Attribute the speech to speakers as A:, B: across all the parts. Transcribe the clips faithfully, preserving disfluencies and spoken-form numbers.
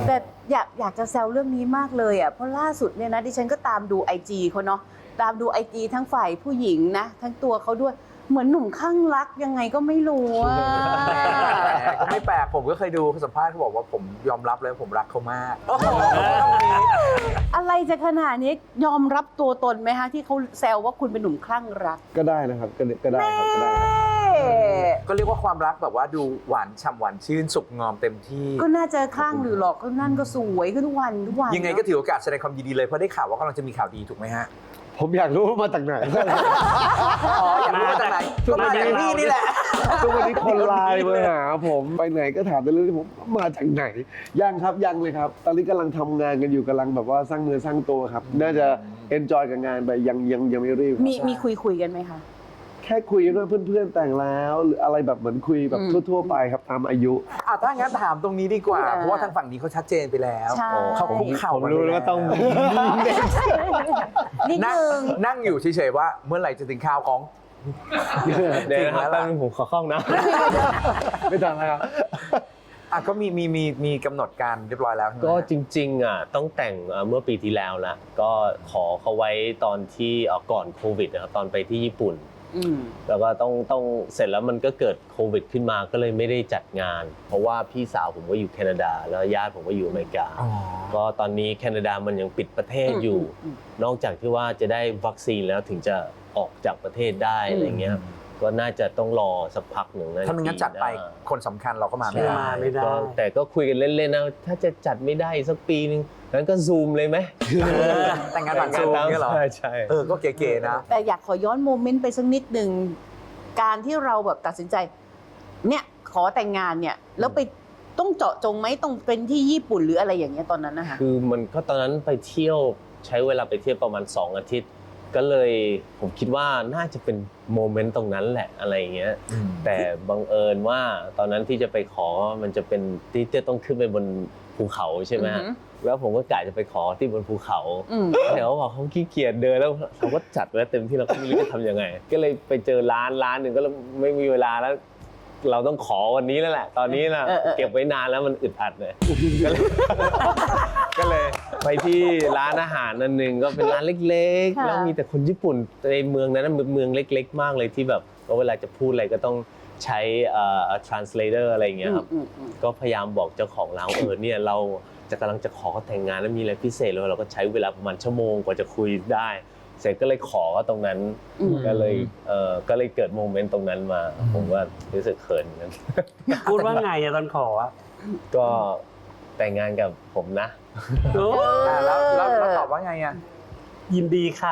A: แต่อยากอยากจะแซวเรื่องนี้มากเลยอ่ะเพราะล่าสุดเนี่ยนะดิฉันก็ตามดูไอจีเขาเนาะตามดูไอจีทั้งฝ่ายผู้หญิงนะทั้งตัวเขาด้วยเหมือนหนุ่มข้างรักยังไงก็ไม่รู้อ่ะ
B: ก็ไม่แปลกผมก็เคยดูสัมภาษณ์เขาบอกว่าผมยอมรับเลยผมรักเขามาก
A: อะไรจะขนาดนี้ยอมรับตัวตนไหมฮะที่เขาแซวว่าคุณเป็นหนุ่มคลั่งรัก
C: ก็ได้นะครับก็ก็ได้ครับก็ได้ครับ
B: ก็เรียกว่าความรักแบบว่าดูหวานฉ่ำหวานชื่นสุกงอมเต็มที่
A: ก็น่าจะคลั่งหรือหรอกก็นั่นก็สวยขึ้นทุกวันทุกวัน
B: ยังไงก็ถือโอกาสแสดงความยินดีเลยเพราะได้ข่าวว่ากำลังจะมีข่าวดีถูกไหมฮะ
C: ผมอยากรู้ว่ามาจากไหน
B: อ๋ออยากรู้มาจากไหนก็มาจากนี่นี่แหละ
C: ทุกวันนี้คนไลน์มาหาผมไปไหนก็ถามแต่เรื่องที่ผมมาจากไหนยังครับยังเลยครับตอนนี้กำลังทำงานกันอยู่กำลังแบบว่าสร้างเนื้อสร้างตัวครับน่าจะเอนจอยกับงานไปยังยังยังไม่รีบ
A: มีมีคุยคุยกันไหมคะ
C: แค่คุยกันว่าเพื่อนๆแต่งแล้วหรืออะไรแบบเหมือนคุยแบบทั่วๆไปครับตามอายุ
B: อ่ะถ้างั้นถามตรงนี้ดีกว่า
A: อ่า
B: เพราะว่าทางฝั่งนี้เขาชัดเจนไปแล้ว
A: ใช่
B: เขาคุกเข่า
D: ผมรู้แล้วว่าต้อง
A: นิด
B: นั่ง
A: นึง
B: นั่งอยู่เฉยๆว่าเมื่อไหร่จะถึงข่าวของ
D: เดี๋ยวนะครับแป๊บนึงผมขอเข้านะ
C: ไม่ทันแล้วครับ
B: อ่ะก็มีมีมีมีกำหนดการเรียบร้อยแล้วใช่ไหม
D: ก็จริงๆอ่ะต้องแต่งเมื่อปีที่แล้วละก็ขอเขาไว้ตอนที่ก่อนโควิดนะครับตอนไปที่ญี่ปุ่น
A: อืม
D: แล้วก็ต้องต้องเสร็จแล้วมันก็เกิดโควิดขึ้นมาก็เลยไม่ได้จัดงาน เพราะว่าพี่สาวผมก็อยู่แคนาดาแล้วญาติผมก็อยู่อเมริกา
B: อ๋อ
D: ก็ตอนนี้แคนาดามันยังปิดประเทศอยู่
A: อืม
D: นอกจากที่ว่าจะได้วัคซีนแล้วถึงจะออกจากประเทศได้อะไรเงี้ยก็น่าจะต้องรอสักพักหนึ่งนะ
B: ถ้าไม่งั้นจัดไปคนสำคัญเราก็มาไม่ได้
D: ไม่ได้ก็แต่ก็คุยกันเล่นๆนะถ้าจะจัดไม่ได้สักปีนึงงั้นก็ซูมเลยไหม
B: แต่งงานผ่านซูมเนี่ยเหรอ
D: ใช่ใช่
B: เออก็เก๋ๆนะ
A: แต่อยากขอย้อนโมเมนต์ไปสักนิดหนึ่งการที่เราแบบตัดสินใจ เนี่ยขอแต่งงานเนี่ยแล้วไปต้องเจาะจงไหมต้องเป็นที่ญี่ปุ่นหรืออะไรอย่างเงี้ยตอนนั้นนะคะ
D: คือมันก็ตอนนั้นไปเที่ยวใช้เวลาไปเที่ยวประมาณสองอาทิตย์ ก็เลยผมคิดว่าน่าจะเป็นโมเมนต์ตรงนั้นแหละอะไรอย่างเงี้ย
B: อืม
D: แต่บังเอิญว่าตอนนั้นที่จะไปขอมันจะเป็นที่จะต้องขึ้นไปบนภูเขาใช่ไหมฮะ
A: อือหือ
D: แล้วผมก็กะจะไปขอที่บนภูเขา
A: อืม
D: แต่เขาบอกเขาขี้เกียจเดินแล้วเขาก็จัดไว้เต็มที่เราก็ไม่รู้จะทำยังไง ก็เลยไปเจอร้านร้านหนึ่งก็ไม่มีเวลาแล้ว เราต้องขอวันนี้แล้วแหละ ตอนนี้นะ
A: เออเออ
D: เก็บไว้นานแล้วมันอึดอัดเลย ก็เลยก็เลยไปที่ร้านอาหารนั่นหนึ่งก็เป็นร้านเล็กๆ แล้วมีแต่คนญี่ปุ่นในเมืองนั้นนะเมืองเล็ก ๆ มากเลยที่แบบเวลาจะพูดอะไรก็ต้องใช้เอ่อ translator อะไรอย่างเงี้ยครับ
A: อืมอืม
D: ก็พยายามบอกเจ้าของร้านเออเนี่ยเราจะกำลังจะขอแต่งงานแล้วมีอะไรพิเศษเลยเราก็ใช้เวลาประมาณชั่วโมงกว่าจะคุยได้ เสร็จก็เลยขอตรงนั้น
A: อืม
D: ก็เลยเออก็เลยเกิดโมเมนต์ตรงนั้นมา ผมว่ารู้สึกเขินกัน
E: พูดว่าไงอะตอนขออะ
D: ก็แต่งงานกับผมนะ
E: โอ้
B: อ่ะแล้วแล้วเราตอบว่าไงอ่ะ
E: ยินดีค่ะ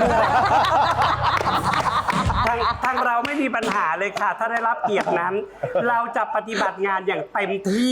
E: ทางทางเราไม่มีปัญหาเลยค่ะ ถ้าได้รับเกียรตินั้น เราจะปฏิบัติงานอย่างเต็มที่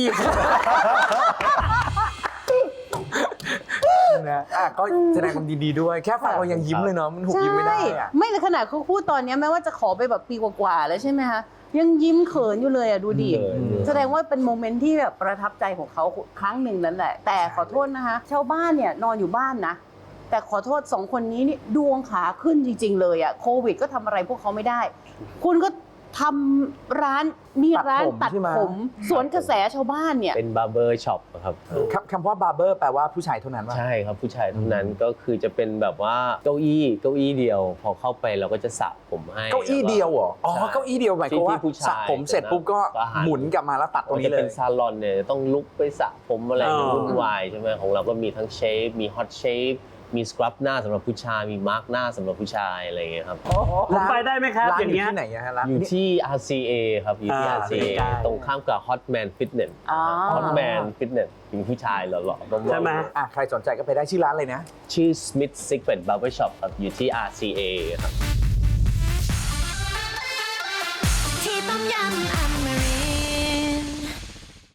B: นะอ่ะก็แสดงความยินดีด้วย แค่ฟังเรายังยิ้มเลยเนาะมันหุบยิ้มไม่ได้อ่ะ
A: ไม่ในขณะเขาพูดตอนเนี้ยแม้ว่าจะขอไปแบบปีกว่าๆแล้วใช่ไหมคะยังยิ้มเขินอยู่เลยอ่ะดูดิ
D: เขินอยู่
A: แสดงว่าเป็นโมเมนต์ที่แบบประทับใจของเขาครั้งหนึ่งนั่นแหละ แต่ขอโทษนะคะชาวบ้านเนี่ยนอนอยู่บ้านนะ แต่ขอโทษสองคนนี้นี่ดวงขาขึ้นจริง ๆ เลยอ่ะโควิดก็ทำอะไรพวกเขาไม่ได้ คุณก็ทำร้านมีร้าน
B: ตั
A: ตั
B: ด
A: ด
B: ผมใช่ไหม
A: ผมสวนกระแสชาวบ้านเนี่ย
D: เป็นบาร์เบอร์ช็อปครับ
B: คำคำว่าบาร์เบอร์แปลว่าผู้ชายเท่านั้นว่า
D: ใช่ครับผู้ชายเท่านั้นก็คือจะเป็นแบบว่าเก้าอี้เก้าอี้เดียว พอเข้าไปเราก็จะสระผมให้
B: เก้าอี้เดียวเหรอ อ๋อ
D: ใช่
B: เก้าอี้เดียวหมายความว่า
D: ที่ผู้ชาย
B: สระผมเสร็จปุ๊บก็
D: ก็หัน
B: หมุนกลับมาแล้วตัดตรง
D: มัน
B: นี้
D: จะ
B: เล
D: เป็น
B: ย
D: ซาลอนเนี่ยต้องลุกไปสระผมอะไร
E: อ๋อ
D: วุ่นวายใช่ไหมของเราก็มีทั้งเชฟมีฮอตเชฟมีสครับหน้าสำหรับผู้ชายมีมาร์กหน้าสำหรับผู้ชายอะไรอย่างเงี้ยครับ
E: ผมไปได้ไหมครับ
B: ร้าน
E: อย่าง
B: อยู่
E: เงี้ย
B: ที่ไหนอะฮะร้าน
D: อยู่ที่ อาร์ ซี เอ ครับอยู่ที่
E: อ่า
D: อาร์ ซี เอ
E: ใกล้ๆ
D: ตรงข้ามกับ Hotman Fitness
A: อ๋อ
D: Hotman Fitness เป็นผู้ชายหล่อๆบ้าๆ
E: ใช่ไหม
B: อ่ะใครสนใจก็ไปได้ชื่อร้านเลยนะ
D: ชื่อ Smith Secret Barber Shop ครับอยู่ที่ อาร์ ซี เอ ครับ
F: ที่ต้มยำอเม